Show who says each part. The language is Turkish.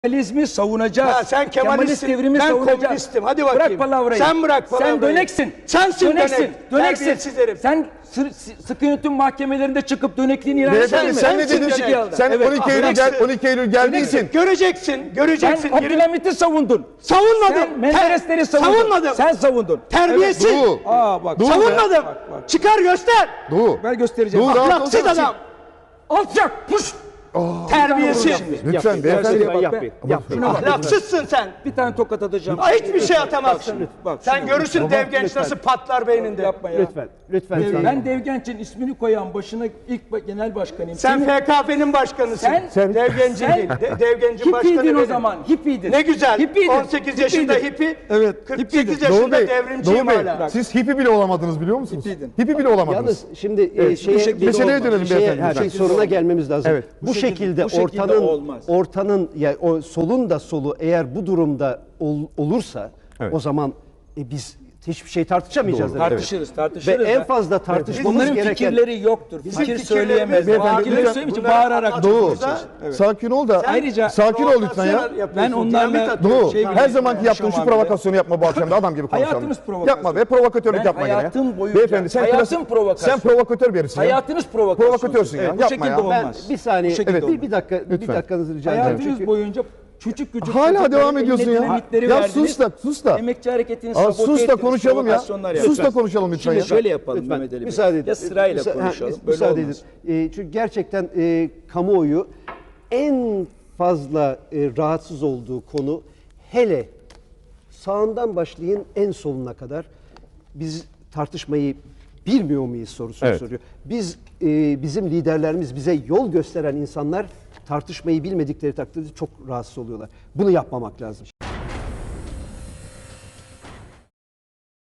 Speaker 1: Kemalizmi savunacağız.
Speaker 2: Ha, sen Kemalistsin,
Speaker 1: devrimi
Speaker 2: ben
Speaker 1: savunacağız.
Speaker 2: komünistim. Hadi bakayım.
Speaker 1: Bırak palavrayı.
Speaker 2: Sen bırak palavrayı.
Speaker 1: Sen döneksin.
Speaker 2: Sensin dönek.
Speaker 1: Döneksin.
Speaker 2: Terbiyesiz herif.
Speaker 1: Sen sıkı yönetim mahkemelerinde çıkıp dönekliğini ilan ettin mi?
Speaker 3: Sen ne dedin? Sen 12 Eylül geldiysin.
Speaker 2: Göreceksin.
Speaker 1: Sen Abdülhamit'i savundun.
Speaker 2: Savunmadım.
Speaker 1: Sen Menderesleri savundun.
Speaker 2: Savunmadım.
Speaker 1: Sen savundun.
Speaker 2: Terbiyesiz.
Speaker 3: Evet, Doğu.
Speaker 1: Bak.
Speaker 3: Doğu.
Speaker 2: Savunmadım. Çıkar göster.
Speaker 3: Doğu.
Speaker 1: Ben göstereceğim.
Speaker 3: Doğu, rahat
Speaker 2: Ahlaksız
Speaker 3: olacaksın.
Speaker 2: adam.
Speaker 1: Alçak. Puş.
Speaker 2: Terbiyesiz.
Speaker 3: Lütfen beyefendi.
Speaker 1: Şuna bak.
Speaker 2: Ahlaksızsın sen.
Speaker 1: Bir tane tokat atacağım.
Speaker 2: Hiçbir şey atamazsın.
Speaker 1: Bak,
Speaker 2: Sen
Speaker 1: şuna
Speaker 2: görürsün Devgenç nasıl patlar beyninde.
Speaker 1: Yapma ya.
Speaker 4: Lütfen.
Speaker 1: Ben Devgenç'in ismini koyan başına ilk genel başkanıyım.
Speaker 2: Sen FKP'nin başkanısın. Devgenc'in değil. Devgenc'in başkanı
Speaker 1: Hippiydin o
Speaker 2: benim.
Speaker 1: zaman. Hippiydin.
Speaker 2: Ne güzel.
Speaker 1: Hippiydin.
Speaker 2: 18 yaşında
Speaker 1: Hippiydin.
Speaker 2: hippi.
Speaker 1: Evet.
Speaker 2: 48
Speaker 3: Doğu
Speaker 2: yaşında
Speaker 3: Bey,
Speaker 2: devrimciyim
Speaker 3: Doğu Bey,
Speaker 2: hala.
Speaker 3: siz hippi bile olamadınız biliyor musunuz?
Speaker 1: Hippiydin.
Speaker 3: Hippi bile olamadınız.
Speaker 4: Yalnız şimdi
Speaker 3: meseleye dönelim beyefendi.
Speaker 4: her şey soruna gelmemiz lazım.
Speaker 3: Evet.
Speaker 4: Bu şekilde
Speaker 1: olmaz.
Speaker 4: ortanın yani o solun da solu eğer bu durumda olursa
Speaker 3: Evet.
Speaker 4: o zaman biz hiçbir şey tartışamayacağız. demek.
Speaker 1: Tartışırız.
Speaker 4: Ve en fazla tartışmamız
Speaker 1: Bunların
Speaker 4: gereken
Speaker 1: fikirleri yoktur. Fikir
Speaker 2: fikirlerimiz
Speaker 1: söyleyemez.
Speaker 2: var.
Speaker 1: Fikirleri söyleyeyim için
Speaker 2: Bunları
Speaker 1: bağırarak
Speaker 3: Doğu.
Speaker 1: konuşacağız.
Speaker 3: Sakin ol da.
Speaker 1: Ayrıca
Speaker 3: sakin ol lütfen ya.
Speaker 1: Ben onlarla
Speaker 3: Doğu.
Speaker 1: şey
Speaker 3: Her
Speaker 1: biliyorum,
Speaker 3: zamanki yaptığın şu
Speaker 1: konuşamam
Speaker 3: provokasyonu yapma bu akşam da adam gibi konuşalım.
Speaker 1: Hayatınız provokasyon.
Speaker 3: Yapma be provokatörlük
Speaker 1: Ben
Speaker 3: yapma gene ya.
Speaker 1: hayatım boyunca-
Speaker 3: Beyefendi sen
Speaker 1: hayatım provokasyon.
Speaker 3: Sen provokatör birisin ya.
Speaker 1: hayatınız provokasyon.
Speaker 3: Provokatörsün ya.
Speaker 1: Bu
Speaker 3: Yapma
Speaker 1: şekilde
Speaker 3: ya.
Speaker 4: Ben
Speaker 1: olmaz.
Speaker 4: bir saniye
Speaker 1: Bu şekilde olmaz.
Speaker 4: bir dakika bir
Speaker 3: Lütfen.
Speaker 4: dakikanızı rica edeceğim.
Speaker 1: Hayatınız
Speaker 4: Çünkü
Speaker 1: boyunca küçük
Speaker 3: Hala
Speaker 1: çocukların
Speaker 3: devam
Speaker 1: eline
Speaker 3: ediyorsun ya.
Speaker 1: dinamitleri
Speaker 3: Ya
Speaker 1: verdiniz.
Speaker 3: sus da.
Speaker 1: Emekçi hareketini
Speaker 3: Aa,
Speaker 1: sabote
Speaker 3: sus da
Speaker 1: ettiniz,
Speaker 3: konuşalım ya.
Speaker 1: provokasyonlar
Speaker 3: Sus da
Speaker 1: yaptınız.
Speaker 3: konuşalım lütfen
Speaker 1: Şimdi
Speaker 3: ya.
Speaker 1: şöyle yapalım
Speaker 4: Lütfen,
Speaker 1: Mehmet Ali Bey.
Speaker 4: müsaade edin.
Speaker 1: Ya sırayla konuşalım. Böyle
Speaker 4: müsaade
Speaker 1: olmaz.
Speaker 4: edin. Çünkü gerçekten kamuoyu en fazla rahatsız olduğu konu hele sağından başlayın en soluna kadar biz tartışmayı bilmiyor muyuz sorusunu
Speaker 3: Evet.
Speaker 4: soruyor. Bizim liderlerimiz bize yol gösteren insanlar tartışmayı bilmedikleri takdirde çok rahatsız oluyorlar. Bunu yapmamak lazım.